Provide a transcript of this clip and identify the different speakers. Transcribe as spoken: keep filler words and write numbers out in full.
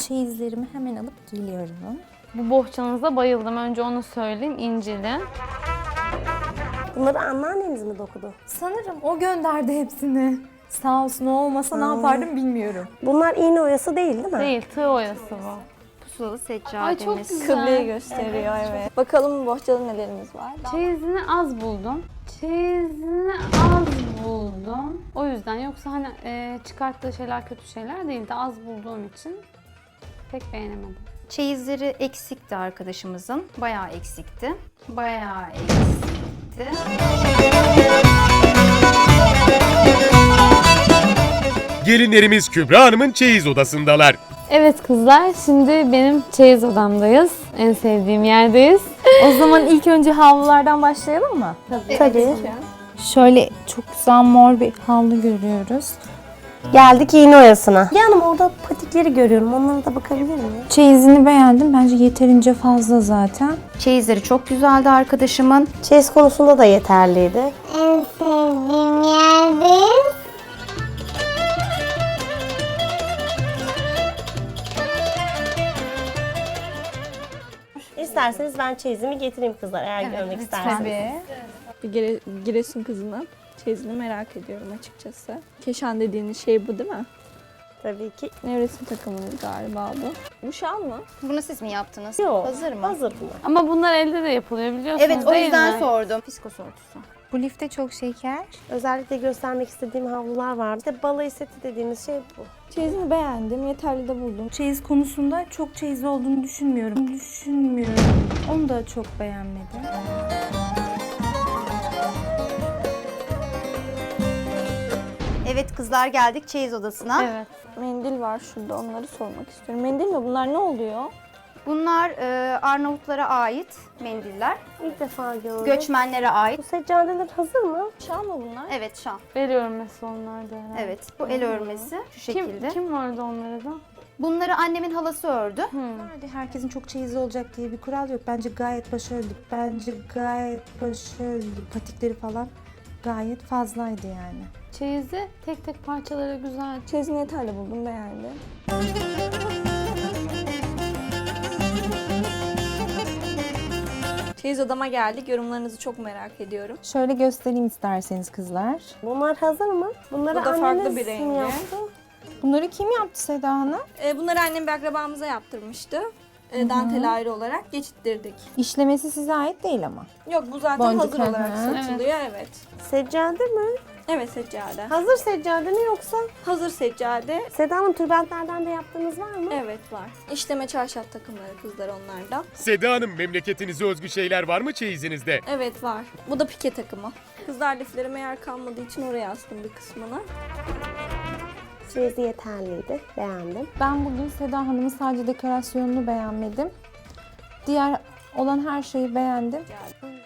Speaker 1: çeyizlerimi hemen alıp geliyorum.
Speaker 2: Bu bohçanıza bayıldım. Önce onu söyleyeyim. İncili.
Speaker 3: Bunları anneanneniz mi dokudu?
Speaker 1: Sanırım o gönderdi hepsini. Sağ olsun, o olmasa
Speaker 3: Aa.
Speaker 1: ne yapardım bilmiyorum.
Speaker 3: Bunlar iğne oyası değil değil mi?
Speaker 2: Değil, tığ oyası bu.
Speaker 4: Pusulalı seccademiz.
Speaker 2: Ay çok güzel.
Speaker 5: Kıbleyi gösteriyor evet. Bakalım bohçada nelerimiz var.
Speaker 2: Çeyizini az buldum. Çeyizini az buldum. O yüzden yoksa hani e, çıkarttığı şeyler kötü şeyler değildi. Az bulduğum için pek beğenemedim.
Speaker 4: Çeyizleri eksikti arkadaşımızın. Bayağı eksikti. Bayağı eksikti.
Speaker 6: Gelinlerimiz Kübra Hanım'ın çeyiz odasındalar.
Speaker 2: Evet kızlar, şimdi benim çeyiz odamdayız. En sevdiğim yerdeyiz.
Speaker 1: O zaman ilk önce havlulardan başlayalım mı?
Speaker 3: Tabii. Tabii.
Speaker 1: Şöyle çok güzel mor bir havlu görüyoruz.
Speaker 3: Geldik iğne oyasına. Yanım orada patikleri görüyorum. Onlara da bakabilir miyim?
Speaker 1: Çeyizini beğendim. Bence yeterince fazla zaten.
Speaker 4: Çeyizleri çok güzeldi arkadaşımın.
Speaker 3: Çeyiz konusunda da yeterliydi.
Speaker 7: En sevdiğim yerdeyiz.
Speaker 3: İsterseniz ben çeyizimi getireyim kızlar eğer
Speaker 4: Evet,
Speaker 3: görmek
Speaker 4: lütfen.
Speaker 3: isterseniz.
Speaker 5: Tabii. Bir Gire, Giresun kızının çeyizini merak ediyorum açıkçası. Keşan dediğiniz şey bu değil mi?
Speaker 3: Tabii ki.
Speaker 5: Nevresim takımınız galiba bu. Bu şal mı?
Speaker 4: Bunu siz mi yaptınız?
Speaker 3: Yok.
Speaker 4: Hazır mı?
Speaker 3: Hazır bunlar.
Speaker 2: Ama bunlar elde de yapılıyor biliyorsunuz
Speaker 4: Evet, o
Speaker 2: değil
Speaker 4: yüzden
Speaker 2: mi?
Speaker 4: sordum. Fiskos örtüsü.
Speaker 1: Bu lifte çok şeker.
Speaker 3: Özellikle göstermek istediğim havlular vardı. İşte balayı seti dediğimiz şey bu.
Speaker 5: Çeyizini beğendim, yeterli de buldum.
Speaker 1: Çeyiz konusunda çok çeyiz olduğunu düşünmüyorum. Düşünmüyorum. Onu da çok beğenmedim.
Speaker 4: Evet kızlar, geldik çeyiz odasına.
Speaker 2: Evet.
Speaker 5: Mendil var şurada, onları sormak istiyorum. Mendil mi? Bunlar ne oluyor?
Speaker 4: Bunlar e, Arnavutlara ait mendiller.
Speaker 3: İlk defa gördüm.
Speaker 4: Göçmenlere ait.
Speaker 3: Bu seccadeler hazır mı?
Speaker 5: Şal mı bunlar?
Speaker 4: Evet, şal.
Speaker 2: Veriyorum mesela onlarda herhalde.
Speaker 4: Evet, bu el örmesi şu şekilde.
Speaker 2: Kim, kim vardı onlara da?
Speaker 4: Bunları annemin halası ördü.
Speaker 1: Nerede herkesin çok çeyizi olacak diye bir kural yok. Bence gayet başarılı. Bence gayet başarılı. Patikleri falan gayet fazlaydı yani.
Speaker 2: Çeyizi tek tek parçaları güzel.
Speaker 5: Çeyizini yeterli buldum, beğendim. Çeyiz odama geldik. Yorumlarınızı çok merak ediyorum.
Speaker 1: Şöyle göstereyim isterseniz kızlar.
Speaker 3: Bunlar hazır mı? Bunları
Speaker 5: Bu da farklı
Speaker 3: anneniz
Speaker 5: bir
Speaker 3: mi
Speaker 5: rengi.
Speaker 3: yaptı?
Speaker 1: Bunları kim yaptı Seda Hanım?
Speaker 5: Ee, bunları annem bir akrabamıza yaptırmıştı. Ee, dantel ayrı olarak geçittirdik.
Speaker 1: İşlemesi size ait değil ama.
Speaker 5: Yok, bu zaten
Speaker 1: Boncuk,
Speaker 5: hazır
Speaker 1: hı
Speaker 5: olarak
Speaker 1: hı.
Speaker 5: satılıyor, evet.
Speaker 3: Seccade mi?
Speaker 5: Evet, seccade.
Speaker 3: Hazır seccade mi yoksa?
Speaker 5: Hazır seccade.
Speaker 3: Seda Hanım tülbentlerden de yaptığınız var mı?
Speaker 5: Evet, var. İşleme çarşaf takımları kızlar onlardan.
Speaker 6: Seda Hanım, memleketinize özgü şeyler var mı çeyizinizde?
Speaker 5: Evet, var. Bu da pike takımı. Kızlar liflerime yer kalmadığı için oraya astım bir kısmını.
Speaker 3: Çeyizi yeterliydi. Beğendim.
Speaker 1: Ben bugün Seda Hanım'ın sadece dekorasyonunu beğenmedim. Diğer olan her şeyi beğendim.